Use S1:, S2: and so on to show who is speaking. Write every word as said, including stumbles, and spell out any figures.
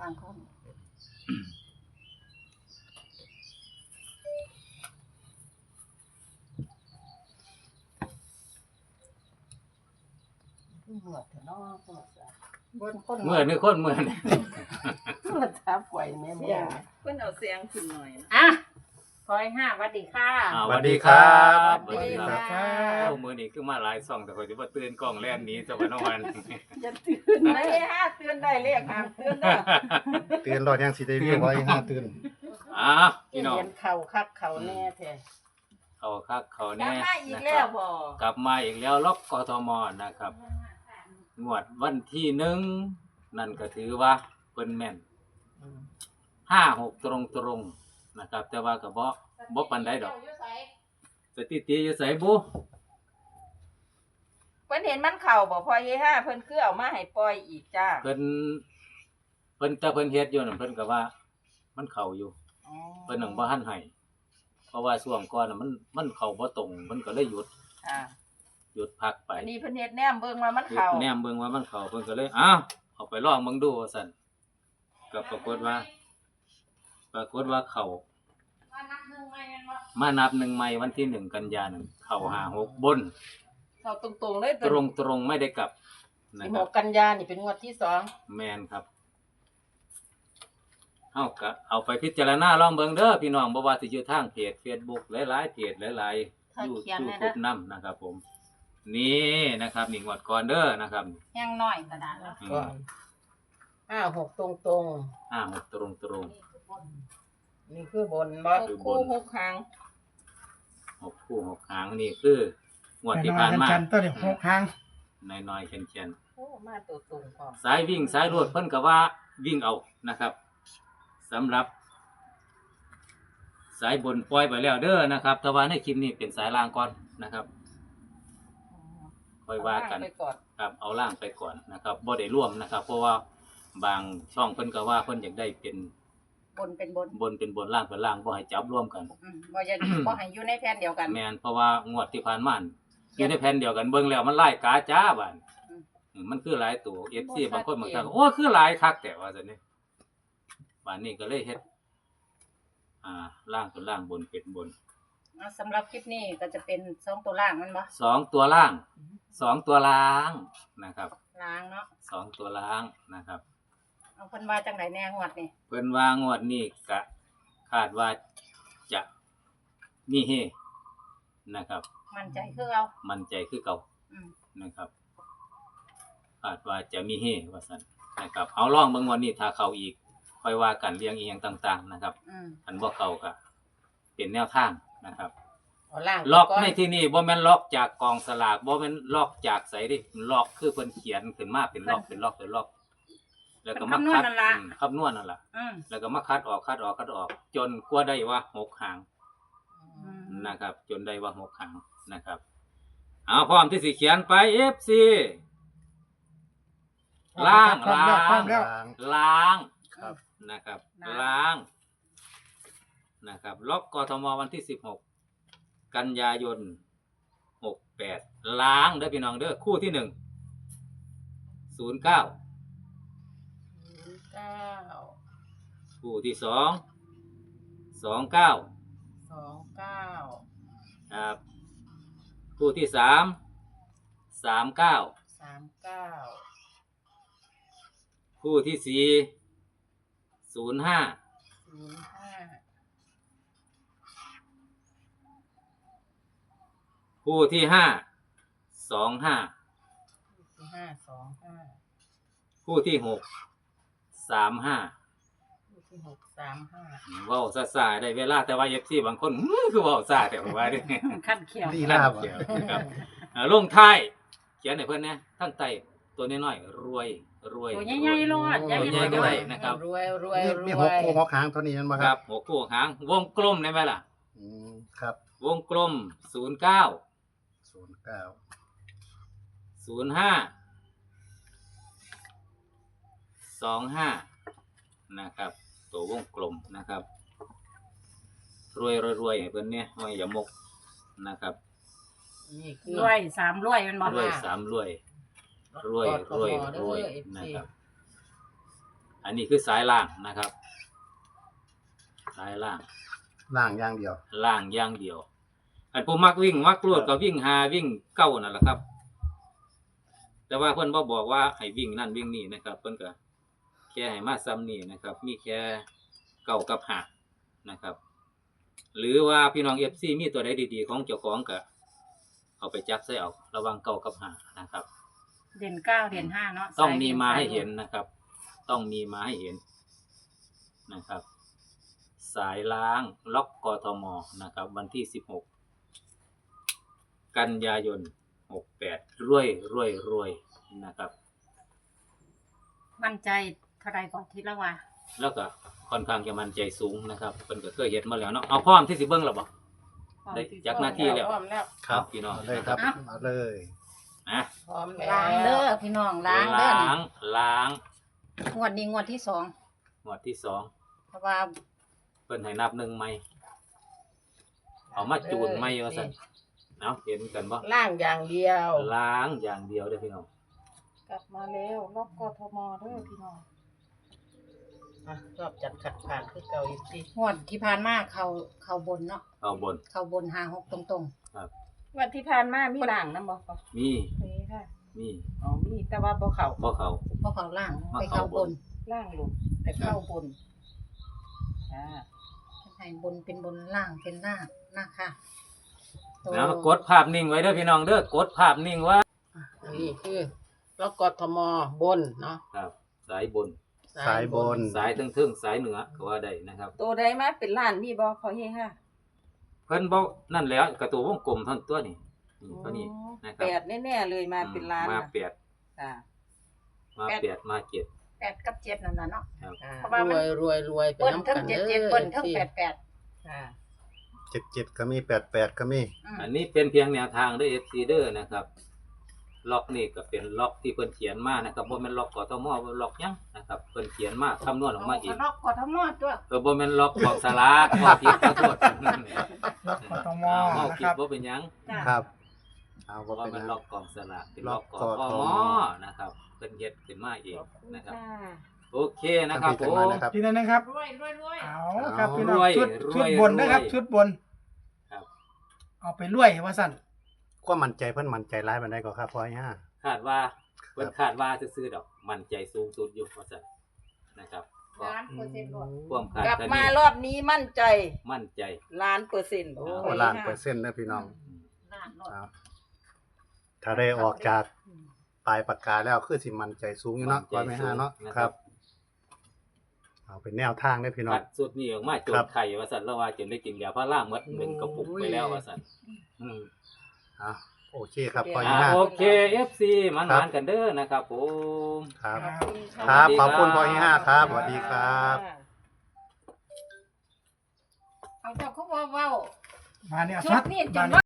S1: างคนเหมือดเถอะเนาะเหมือดจ้ะบนคน
S2: เมื่อนึกคนเมื่อนี่
S1: เหมือดทับไว้แม่บ่เพิ่นเอาเสียงขึ้นหน่อยอ่ะพลอยห้าสวัสดีค่ะ
S2: สวัสดีครับ
S1: สวัสดีครับ
S2: โอ้มื้อนี้คือมาหลายซ่องแต่ข่อยสิบ่ตื่นกล้องแล่นหนี้ซะว่าน้องวัน
S1: อย่าตื่นได้ห้าตื่นได้เลขห้ามตื่นเด้อ
S3: เตือนรอดยังสิได้วิวไว้ห้าตื่น
S2: อ้าวพี่น้อง
S1: เห็นเข่าคักเข่าแน่แท้
S2: เขาคักเขา
S1: กลั
S2: แน่
S1: บมาอีก
S2: นะค
S1: แล้
S2: รั
S1: ว
S2: บ
S1: บ่
S2: กลับมาอีกแล้วล็อกกทมนะครับงวดวันที่หนึ่งนั่นก็ถือว่าเพิ่นแม่นห้าหกตรงๆนะครับแต่ว่าก็บ่บ่ปานใดดอกสถิติอยู่ไสบุ
S1: เพิ่นเห็นมันเข่าบ่พลอยห้าเพิ่นคือเอามาให้ปล่อยอีกจ้า
S2: เพิ่นเพิ่นแต่เพิ่นเฮ็ดอยู่นั่นเพิ่นก็ว่ามันเข้าอยู่
S1: อ๋อ
S2: เพิ่นหนังบ่ทันให้เพราะว่าช่วงก่อนน่ะมันมันเข้าบ่ตรงมันก็เลยหยุด
S1: อ่า
S2: หยุดพักไป
S1: อันนี้เพิ่นเฮ็ดแนมเบิ่งว่ามัน
S2: หยุด
S1: เข่า
S2: แนมเบิ่งว่ามันเข้าเพิ่นก็เลยอ้าวเอาไปลองเบิ่งดูว่าซั่นก็ปรากฏว่า ปรากฏว่าเข้ามานับหนึ่งใหม่วันที่หนึ่งกันยายนนเข้าห้าหกบน
S1: เข่าตรงๆเลย
S2: ตรงตรงๆไม่ได้กลับนะ
S1: สิบ
S2: ค
S1: ห
S2: รับ
S1: กกันยานี่เป็นงวดที่สอง
S2: แม่นครับเอาก็เอาไปพิจารณาลองเบิ่งเด้อพี่น้องบ่ว่าสิอยู่ทางเพจ Facebook หลายๆเพจหลายๆ
S1: ถ้า
S2: ยู
S1: เขียน
S2: ทู
S1: แน่
S2: บ
S1: นะ
S2: นำนะครับผม นี่นะครับนี่งวดก่อนเด้อนะครับ
S1: ยังน้อยกระดาษแล้ว
S2: อื
S1: ก็
S2: ม
S1: ห้าหกตรง
S2: อ่าหกตรงตรง
S1: ๆนี่คือบนบ่
S2: คือบน
S1: คู่หกครั้ง
S2: หกคู่หกหางนี่คืองวดที่ผ่านมา
S3: จันตัวเดียวหกครั้ง
S2: น้อยๆเช่น
S1: โอ้มาตัวตรงพร้อม
S2: ๆสายวิ่งสายรวดเพิ่นก็ว่าวิ่งเอานะครับสำหรับ สายบนปล่อยไปแล้วเด้อนะครับแต่ว่าในคลิปนี้เป็นสายล่างก่อนนะครับค่อยว่ากัน
S1: เอไปก่อน
S2: ครับเอาล่างไปก่อนนะครับบ่ได้ร่วมนะครับ เพราะว่าบางช่องเพิ่นก็ว่าเพิ่นอยากได้เป็น
S1: บนเป็นบน
S2: บนเป็นบนล่างเป็นล่างบ่ให้จับร่วมกัน
S1: อืมบ่จะ บ่ให้อยู่ในแผ่นเดียวกัน
S2: แม่นเพราะว่างวดที่ผ่านมานี่อยู่ในแผ่นเดียวกันเบิ่งแล้วมันหลายกาจ้าบัด
S1: อืม
S2: อืมมันคือหลายตัว เอฟ ซี
S1: บ่ชัด
S2: บางคนบางท่าน
S1: เจน
S2: ก็โอ้คือหลายคักแต่ว่าซั่นนี่บัดนี้ก็เลยเฮ็ดอ่าล่างเป็นล่างบนเป็นบน
S1: อ่าสำหรับคลิปนี้ก็จะเป็นสองตัวล่างมันบ่
S2: สองตัวล่างสองตัวล่างนะครับ
S1: ล้างเนาะ
S2: สองตัวล่างนะครับ
S1: เอาเพิ่นว่าจังไดแน่งวดนี่
S2: เพิ่นว่างวดนี้ก็คาดว่าจะมีเฮนะครับ
S1: มั่นใจคือเอา
S2: มั่นใจคือเก่า
S1: อืม
S2: นะครับคาดว่าจะมีเฮว่าซั่นนะครับเอาลองเบิ่งวันนี้ถ้าเข้าอีกค่อยว่ากันเรียงอีหยังต่าง ๆ นะครับ
S1: อืม
S2: อันบ่เข้าก็เป็นแนวทางนะครับ
S1: เอาล่าง
S2: ล็อก
S1: ก่น
S2: ในที่นี้บ่แม่นล็อกจากกองสลากบ่แม่นล็อกจากไสดิล็อกคือเพิ่นเขียนขึ้นมาเป็นล็อกเป็นล็อกเป็นล็อก แล้วก็มาคัดอืมคำนวณนั่นล่ะ
S1: อืม
S2: แล้วก็มาคัดออกคัดออกคัดออก จนกว่าได้ว่าหกหาง
S1: อืม
S2: นะครับ จนได้ว่าหกหางนะครับเอาพร้อมที่สิเขียนไป เอฟ ซี ล้าง
S3: พร้อม
S2: ล้า
S3: แล้วพร้อม
S2: ง
S3: แล้ว
S2: ล้าง
S3: ครับ
S2: นะครับ
S1: ล้าง
S2: ล้างนะครับล็อกกทมวันที่สิบหกกันยายนหกแปดล้างเด้อพี่น้องเด้อคู่ที่หนึ่งศูนย์เก้า
S1: เก้า
S2: คู่ที่สองสองเก้า
S1: สองเก้า
S2: ครับคู่ที่สามสามเก้า
S1: สามเก้า
S2: คู่ที่สี่ศูนย์ห้า
S1: ศูนย์ห้า
S2: คู่ที่ห้าสองห้า
S1: สี่ห้าสองห้า
S2: คู่ที่หกสามห้า
S1: ลูกที่หกสามห้า
S2: เว้าซาๆได้เวลาแต่ว่าเอฟซีบางคนอื้อคือเว้าซาแต่ว่าเด้
S1: ขั้นเขียว
S3: ลีลาบ่
S2: เขียวนะครับอ่าลงท้ายเขียนให้เพิ่นนะทั้งไตตัวน้อยๆรวยรวย
S1: ตัวใหญ่ๆรอด
S2: ตัวใหญ่ก็ได้นะครับ
S1: รวยรวย
S3: มี
S1: ร
S3: มี
S1: ว
S3: หก
S1: ย
S3: คู่หกครั้งเท่านี้นั่นบ่
S2: ค
S3: ค
S2: รั
S3: รั
S2: บบ หัวคู่หางวงกลมได้ไหมล่ะ
S3: อืมครับ
S2: วงกลมศูนย์เก้า
S3: ศูนย์เก้า
S2: ศูนย์ห้าสองห้านะครับ ตัววงกลมนะครับรวยรวยรวยให้เพิ่นเนี่ยห้อยอย่ามกนะครับ
S1: นี่คือ
S4: รวยสามรวยมันบ่
S2: รวยสามรวยรวยรวยรวย
S1: กดกด
S2: นะครับ อันอันนี้คือสายล่างนะครับ สายล่าง
S3: ล่างอย่างเดียว
S2: ล่างอย่างเดียว อันผู้มักวิ่งมักรวดก็วิ่งหาวิ่งเก้านั่นแหละครับ แต่ว่าเพิ่นบ่บอกว่าให้วิ่งนั่นวิ่งนี่นะครับ เพิ่นก็แค่ให้มาซ้ำนี่นะครับ มีแค่เก้ากับห้านะครับ หรือว่าพี่น้อง เอฟ ซี มีตัวใดดีๆของเจ้าของก็เอาไปจับใส่เอาระวังเก้ากับห้านะครับ
S1: เด่นเก้าเด่นห้าเนาะ
S2: ต้องมีมาให้เห็นนะครับ ต้องมีมาให้เห็นนะครับ สายล้างล็อกกทมนะครับ วันที่สิบหกกันยายนหกแปดรวยรวยรวยนะครับ
S1: มั่นใจเท่าไรก่อนทีละว่า
S2: แล้วก็ค่อนข้างจะมั่นใจสูงนะครับเพิ่นก็เคยเห็นมาแล้วเนาะเอาพร้อมที่สิเบิ่งแล้วบ่ได้จักหน้าที่แล้ว
S1: พร้อมแล้ว
S2: ครับพี่น้อง
S3: เอาเลยครับเอาเลย
S2: อ่ะ
S1: พร้อมแล้วล้างเด้อพี่น้องล้างเด้อ
S2: ล้างล้าง
S1: งวดนี้งวดที่สอง
S2: หมวดที่สอง
S1: เพราะว่า
S2: เพิ่นให้นับหนึ่งใหม่เอามาจูนใหม่ว่าซั่นเนาะเห็นกันบ่
S4: ล่างอย่างเดียว
S2: ล้างอย่างเดียวเด้อพี่น้อง
S1: กลับมาแล้วล็อกกทมเด้อพี่น้อง
S4: อ่ะรอบจัดขัดผ่านคือเก่าอีกที
S1: งวดที่ผ่านมาเขาเขาบนเนาะ
S2: เอาบน
S1: เขาบนห้าหกตรง
S5: วันที่ผ่านมามีด่างนำบ่คะ
S2: มี
S5: มีค่ะ
S2: มี
S5: อ๋อมีแต่ว่าบ่เข้า
S2: บ่เขา
S1: ๆเพราะเขาล่าง
S2: มา
S1: ไป
S2: เข้า
S1: เขา
S2: บบ น
S1: น
S5: ล่างลงแต่เข้าบนอ่า
S1: ให้บนเป็นบนล่างเป็นล่างนะค่ะตัว
S2: แล้วกดภาพนิ่งไว้เด้อพี่น้องเด้อกดภาพนิ่งไว้
S4: อันนี้คือล็อกกทมบนเนาะ
S2: ครับ สายบน
S3: สายบน
S2: สายทึ่งๆสายเหนือก็ว่าได้นะครับ
S5: ตัวใดมาเป็นล้านมีบ่ขอเฮค่ะ
S2: เพิ่นบอกนั่นแล้วกระตัววงกลมเท่านนตัวนี่นี่ตัวนี้นะครั
S5: แปดแน่ๆเลยมาเป็นล้าน
S2: มา
S5: น่ะ
S2: แปด
S5: ค่ะ
S2: มาแปดมาเจ็ด
S1: แปดกับเจ็ดนั่นน่ะเนาะ
S2: ครับ
S4: อ่า
S1: เพราะว่ามัน
S4: รวยรวยรวยเป็น
S1: เบิ้ล
S4: น้ำ
S1: ทั้ง
S4: กัน
S1: เจ็ด
S4: เด้
S1: เจ็ด
S4: อ
S1: เบิ้ลทั้ง
S4: ที่
S1: แปดแปด
S5: ค่ะ
S3: เจ็ดเจ็ดก็มีแปดแปดก็มี
S1: อืม
S2: อันนี้เป็นเพียงแนวทางเด้อ เอฟ ซี เด้อนะครับ ล็อกนี่ก็เป็นล็อกที่เพิ่นเขียนมานะครับบ่แม่นล็อกกทมบ่ล็อกหยังนะครับเพิ่นเขียนมาคำนวณออกมาเอง
S1: ล็อกกทมตัว
S2: เออบ่แม่นล็อกของสลากบ่ผิดขอโทษ
S6: ล็อกกทม
S2: เว้า
S6: นะ
S2: ผิ
S6: ค
S2: ด
S6: รับ
S2: บ่เป็นหยัง
S1: จ้ะ
S3: ครับเอา
S2: เพ
S3: ว่า
S2: ราะว่า
S3: เป็น
S2: มัน
S3: นะ
S2: ล็อกกองสลากเป็นล็อกก
S3: ล็อก
S2: ท
S3: กท
S2: ม
S3: ม
S2: นะครับเพิ่นเฮ็ดขึ้นมาเองนะครับ
S5: ค่ะ
S2: โอเคนะครับผ
S3: ทำผิด
S2: ม
S3: กันมานะครับ
S6: ทีนั้นนะครับ
S1: รวยรวยรวย
S6: เอาครับพี่น้อง
S2: รวย
S6: ชุด
S2: รวย
S6: ชุดบนนะครับ
S2: รวย
S6: ชุดบน
S2: ครับ
S6: เอาไปรวยว่าสั่น
S3: ความมั่นใจเพิ่นมั่นใจร้ายปานใดก็ครับพอยห้า
S2: คาดว่าเพิ่นคาดว่าซื่อๆดอกมั่นใจสูงสุดอยู่ว่าซั่นนะครับก็
S1: ล้านเปอร์เซ็นต์รวด
S2: ความคาด
S5: กลับ
S2: คะ
S5: มา
S2: เน
S5: รอบนี้มั่นใจ
S2: มั่นใจ
S5: ล้านเปอร์เซ็นต์
S3: โอ้
S5: ขอเฮ
S3: ล้าน
S5: ค่ะ
S3: เปอร์เซ็นต์นะพี่น้อง
S1: ล้านรวด
S3: เอาถ้าได้ออกจากปลายปากกาแล้วคือสิมั่นใจสูงอยู่เนาะ
S2: มั่
S3: พอน
S2: ใจ
S3: ไม่ห้าเนาะ
S2: สูงนะ
S3: ค
S2: ครั
S3: รับ บ เอาเป็นแนวทางได้อพี่น้อ
S2: คั
S3: ง
S2: ดสุดนี้ออกมาจ
S3: ครั
S2: น
S3: บ
S2: ไข่ว่าซั่นแล้วว่าจนได้กินยาพาราหมดหนึ่งกระปุกไปแล้วว่าซั่นอืม
S3: อ่ะโอเคครับพอ
S2: อ่า
S3: ห้า
S2: โอเค เอฟ ซี มันหวานกันเด้อนะครับผม
S3: ครับ
S5: ขอบคุณค่ะ
S3: ครับ
S2: สวัสดี
S3: ขอบคุณ
S2: ครับ
S3: พอห้าครับสวัสดีครับ
S1: เอาเจ้าเขาว่าเว้า
S6: มาเนี่ย
S1: ชุ
S6: ซั
S1: ด
S6: ด
S1: นี่จ
S6: มาน เนี่ย
S1: ว่า